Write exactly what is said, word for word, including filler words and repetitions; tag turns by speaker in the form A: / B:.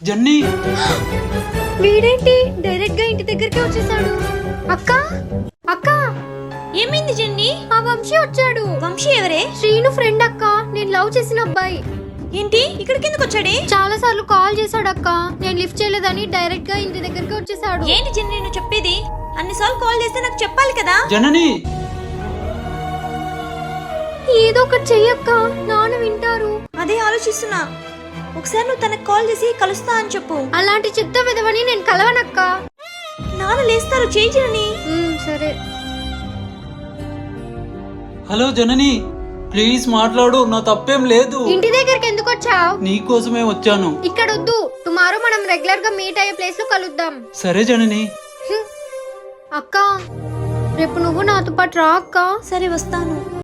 A: జన్నీ
B: వీడేంటి డైరెక్ట్ గా ఇంటి దగ్గరికి వచ్చేసాడు. అక్క అక్క
C: ఏమైంది జెన్నీ?
B: ఆ వంశీ వచ్చాడు.
C: వంశీ ఎవరే?
B: శ్రీను ఫ్రెండ్ అక్క, నేను లవ్ చేసిన అబ్బాయి.
C: ఏంటి ఇక్కడికి ఎందుకు వచ్చాడే?
B: చాలా సార్లు కాల్ చేశాడు అక్క, నేను లిఫ్ట్ చేయలేదని డైరెక్ట్ గా ఇంటి దగ్గరికి వచ్చేసాడు.
C: ఏంటి జెన్నీ నువ్వు చెప్పేది? అన్నిసార్లు కాల్ చేస్తే నాకు చెప్పాలి కదా.
A: జనని
B: ఏదో ఒకటి చెయ్యక్క, నాన్న వింటారు.
C: అదే ఆలోచిస్తున్నా. ఒకసారి నువ్వు తనకు కాల్ చేసి కలుస్తా అని చెప్పు.
B: అలాంటి చెత్త విధవని నేను కలవనక్క.
C: నాన్న లేస్తారు, చేయి జనని.
B: ఉమ్, సరే.
A: హలో జనని, ప్లీజ్ మాట్లాడు, నా తప్పేం లేదు.
B: ఇంటి దగ్గరికి ఎందుకు వచ్చావు?
A: నీ కోసమే వచ్చాను.
B: ఇక్కడ వద్దు, టుమారో మనం రెగ్యులర్ గా మీట్ అయ్యే ప్లేస్ లో కలుద్దాం.
A: సరే జనని.
B: అక్క రేపు నువ్వు నాతో పాటు రా అక్క.
C: సరే వస్తాను.